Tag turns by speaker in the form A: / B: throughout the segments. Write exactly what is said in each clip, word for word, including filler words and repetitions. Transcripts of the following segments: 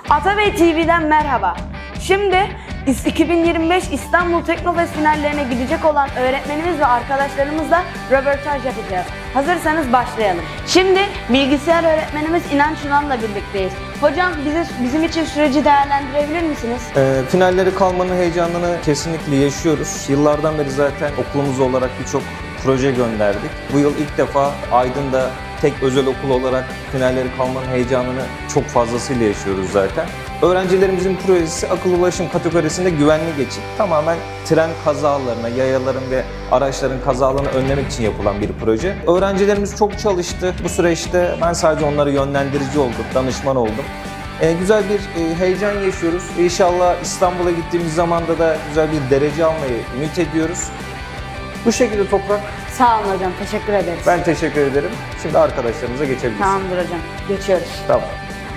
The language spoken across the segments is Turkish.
A: Atabey T V'den merhaba. Şimdi iki bin yirmi beş İstanbul Teknofest finallerine gidecek olan öğretmenimiz ve arkadaşlarımızla röportaj yapacağız. Hazırsanız başlayalım. Şimdi bilgisayar öğretmenimiz İnanç Yunan'la birlikteyiz. Hocam bize, bizim için süreci değerlendirebilir misiniz?
B: E, finalleri kalmanın heyecanını kesinlikle yaşıyoruz. Yıllardan beri zaten okulumuz olarak birçok proje gönderdik. Bu yıl ilk defa Aydın'da tek özel okul olarak finalleri kalmanın heyecanını çok fazlasıyla yaşıyoruz zaten. Öğrencilerimizin projesi akıllı ulaşım kategorisinde güvenli geçit. Tamamen tren kazalarına, yayaların ve araçların kazalarını önlemek için yapılan bir proje. Öğrencilerimiz çok çalıştı. Bu süreçte ben sadece onlara yönlendirici oldum, danışman oldum. Ee, güzel bir e, heyecan yaşıyoruz. İnşallah İstanbul'a gittiğimiz zamanda da güzel bir derece almayı ümit ediyoruz. Bu şekilde Toprak.
A: Sağ olun hocam, teşekkür ederiz.
B: Ben teşekkür ederim. Şimdi arkadaşlarımıza geçebiliriz.
A: Tamamdır hocam, geçiyoruz.
B: Tamam.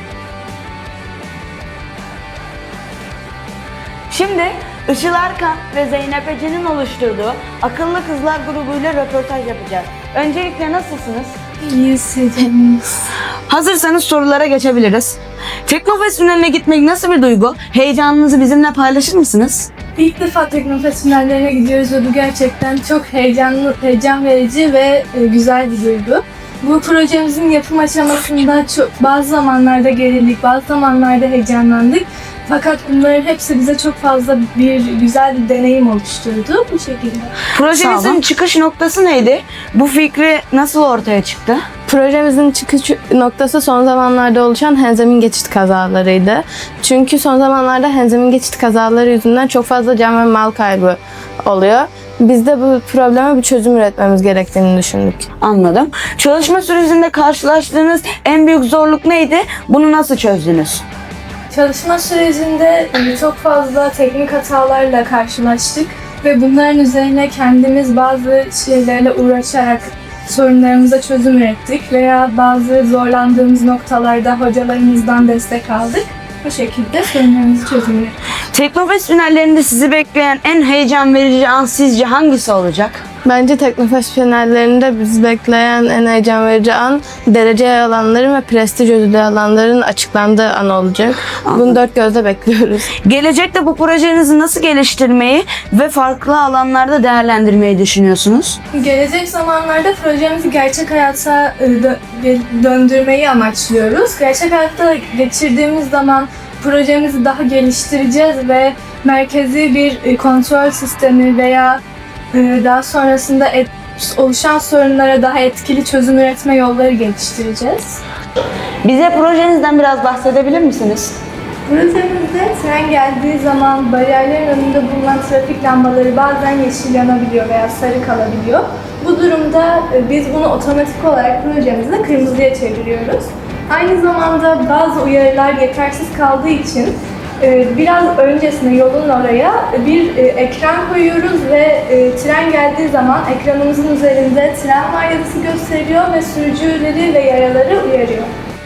A: Şimdi Işıl Erkan ve Zeynep Ece'nin oluşturduğu Akıllı Kızlar grubuyla röportaj yapacağız. Öncelikle nasılsınız?
C: İyiyiz hocam.
A: Hazırsanız sorulara geçebiliriz. Teknofest finaline gitmek nasıl bir duygu? Heyecanınızı bizimle paylaşır mısınız?
C: İlk defa Teknofest finallerine gidiyoruz ve bu gerçekten çok heyecanlı, heyecan verici ve e, güzel bir duygu. Bu projemizin yapım aşamasında çok, bazı zamanlarda gerildik, bazı zamanlarda heyecanlandık. Fakat bunların hepsi bize çok fazla bir güzel bir deneyim oluşturdu bu şekilde.
A: Projemizin çıkış noktası neydi? Bu fikri nasıl ortaya çıktı?
D: Projemizin çıkış noktası son zamanlarda oluşan henzemin geçit kazalarıydı. Çünkü son zamanlarda henzemin geçit kazaları yüzünden çok fazla can ve mal kaybı oluyor. Biz de bu probleme bir çözüm üretmemiz gerektiğini düşündük.
A: Anladım. Çalışma sürecinde karşılaştığınız en büyük zorluk neydi? Bunu nasıl çözdünüz?
C: Çalışma sürecinde çok fazla teknik hatalarla karşılaştık ve bunların üzerine kendimiz bazı şeylerle uğraşarak sorunlarımıza çözüm ürettik veya bazı zorlandığımız noktalarda hocalarımızdan destek aldık. Bu şekilde sorunlarımızı çözüm ürettik.
A: Teknofest finallerinde sizi bekleyen en heyecan verici an sizce hangisi olacak?
D: Bence Teknofest finallerinde bizi bekleyen en heyecan verici an derece alanların ve prestij ödülü alanların açıklandığı an olacak. Bunu dört gözle bekliyoruz.
A: Gelecekte bu projenizi nasıl geliştirmeyi ve farklı alanlarda değerlendirmeyi düşünüyorsunuz?
C: Gelecek zamanlarda projemizi gerçek hayata e, dö- döndürmeyi amaçlıyoruz. Gerçek hayatta geçirdiğimiz zaman projemizi daha geliştireceğiz ve merkezi bir e, kontrol sistemi veya e, daha sonrasında et, oluşan sorunlara daha etkili çözüm üretme yolları geliştireceğiz.
A: Bize projenizden biraz bahsedebilir misiniz?
C: Projemizde tren geldiği zaman bariyerlerin önünde bulunan trafik lambaları bazen yeşil yanabiliyor veya sarı kalabiliyor. Bu durumda e, biz bunu otomatik olarak projemizde kırmızıya çeviriyoruz. Aynı zamanda bazı uyarılar yetersiz kaldığı için e, biraz öncesine yolun oraya bir e, ekran koyuyoruz ve e, tren geldiği zaman ekranımızın üzerinde tren var yazısı gösteriyor ve sürücüleri ve yayaları uyarıyor.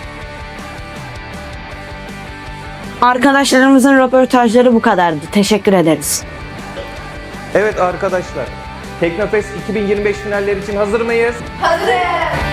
A: Arkadaşlarımızın röportajları bu kadardı. Teşekkür ederiz.
B: Evet arkadaşlar, Teknofest iki bin yirmi beş finaller için hazır mıyız?
C: Hazır!